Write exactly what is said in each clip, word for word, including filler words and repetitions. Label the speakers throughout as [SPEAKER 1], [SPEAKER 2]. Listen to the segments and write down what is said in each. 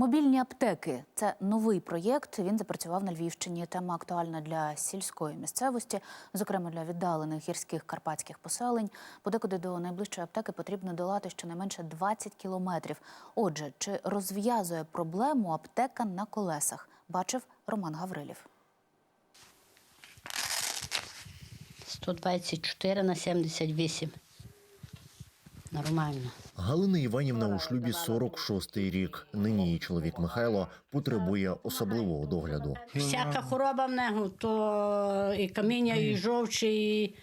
[SPEAKER 1] Мобільні аптеки – це новий проєкт. Він запрацював на Львівщині. Тема актуальна для сільської місцевості, зокрема для віддалених гірських карпатських поселень. Подекуди до найближчої аптеки потрібно долати щонайменше двадцять кілометрів. Отже, чи розв'язує проблему аптека на колесах? Бачив Роман Гаврилів.
[SPEAKER 2] сто двадцять чотири на сімдесят вісім. Нормально.
[SPEAKER 3] Галина Іванівна у шлюбі сорок шостий рік. Нині її чоловік Михайло потребує особливого догляду.
[SPEAKER 2] Всяка хвороба в нього, то і каміння, і жовчі, і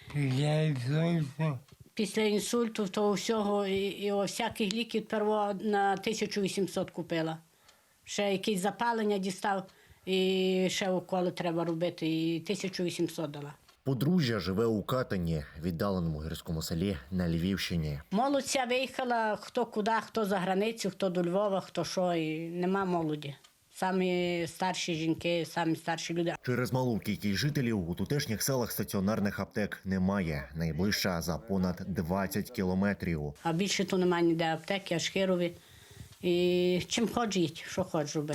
[SPEAKER 2] після інсульту, то всього, і, і о, всяких ліків перво на тисячу вісімсот купила. Ще якісь запалення дістав, і ще уколи треба робити, і тисячу вісімсот дала.
[SPEAKER 3] Подружжя живе у Катані, віддаленому гірському селі на Львівщині.
[SPEAKER 2] Молодь ця виїхала хто куди, хто за границю, хто до Львова, хто що, і нема молоді. Самі старші жінки, самі старші люди.
[SPEAKER 3] Через малу кількість жителів у тутешніх селах стаціонарних аптек немає. Найближча за понад двадцять кілометрів.
[SPEAKER 2] А більше то немає ніде аптеки, аж хирові. І чим хоч їдь, що хоч роби.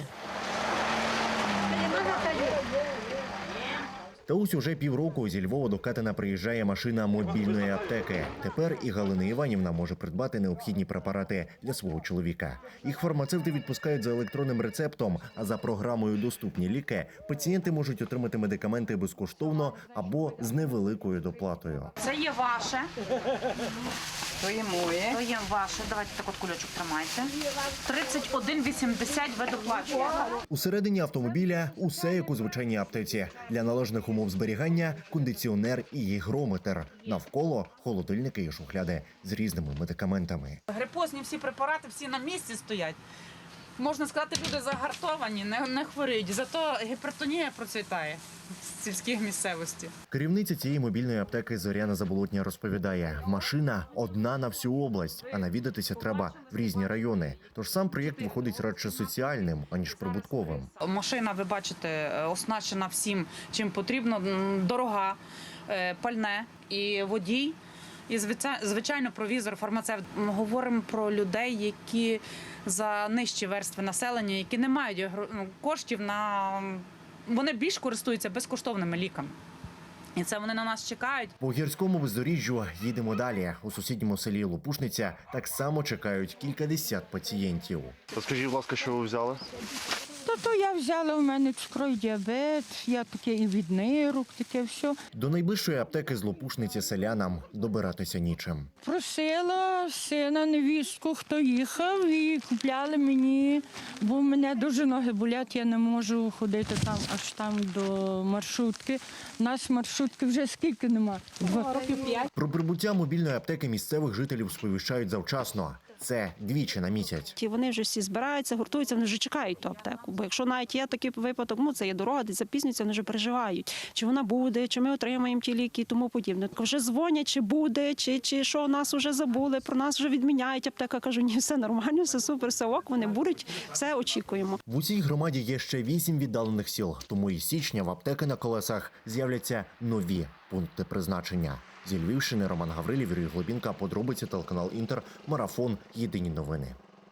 [SPEAKER 3] Та ось уже півроку зі Львова до Катина приїжджає машина мобільної аптеки. Тепер і Галина Іванівна може придбати необхідні препарати для свого чоловіка. Їх фармацевти відпускають за електронним рецептом, а за програмою «Доступні ліки» пацієнти можуть отримати медикаменти безкоштовно або з невеликою доплатою.
[SPEAKER 4] Це є ваше. То є моє. То є ваше. Давайте так от кульочок тримайте. тридцять один вісімдесят ви доплачуєте.
[SPEAKER 3] Усередині автомобіля усе як у звичайній аптеці. Для належних умов зберігання – кондиціонер і гігрометр. Навколо – холодильники і шухляди з різними медикаментами.
[SPEAKER 4] Грипозні всі препарати, всі на місці стоять. Можна сказати, люди загартовані, не, не хворіють. Зато гіпертонія процвітає з сільських місцевості.
[SPEAKER 3] Керівниця цієї мобільної аптеки Зоряна Заболотня розповідає, машина одна на всю область, а навідатися треба в різні райони. Тож сам проєкт виходить радше соціальним, аніж прибутковим.
[SPEAKER 4] Машина, ви бачите, оснащена всім, чим потрібно. Дорога, пальне і водій. І, звичайно, провізор, фармацевт. Ми говоримо про людей, які за нижчі верстви населення, які не мають коштів на... Вони більш користуються безкоштовними ліками. І це вони на нас чекають.
[SPEAKER 3] По гірському бездоріжжю їдемо далі. У сусідньому селі Лопушниця так само чекають кількадесят пацієнтів.
[SPEAKER 5] Розкажіть, будь ласка, що ви взяли?
[SPEAKER 6] То, то я взяла, у мене цукровий діабет, я таке і від нирок, таке все.
[SPEAKER 3] До найближчої аптеки з Лопушниці селянам добиратися нічим.
[SPEAKER 6] Просила сина, невістку, хто їхав, і купляли мені, бо в мене дуже ноги болять, я не можу ходити там аж там до маршрутки. У нас маршрутки вже скільки нема? Два років п'ять.
[SPEAKER 3] Про прибуття мобільної аптеки місцевих жителів сповіщають завчасно. Це двічі на місяць.
[SPEAKER 7] Ті вони вже всі збираються, гуртуються, вони вже чекають ту аптеку. Бо якщо навіть є такий випадок, ну це є дорога, десь запізнюється, вони вже переживають, чи вона буде, чи ми отримаємо ті ліки і тому подібне. Так вже дзвонять, чи буде, чи, чи що, нас вже забули, про нас вже відміняють. Аптека каже, ні, все нормально, все супер, все ок, вони будуть, все очікуємо.
[SPEAKER 3] В усій громаді є ще вісім віддалених сіл, тому із січня в аптеки на колесах з'являться нові пункти призначення. Зі Львівщини Роман Гаврилів, Юрій Глобінка, подробиці, телеканал Інтер, Марафон, Єдині новини.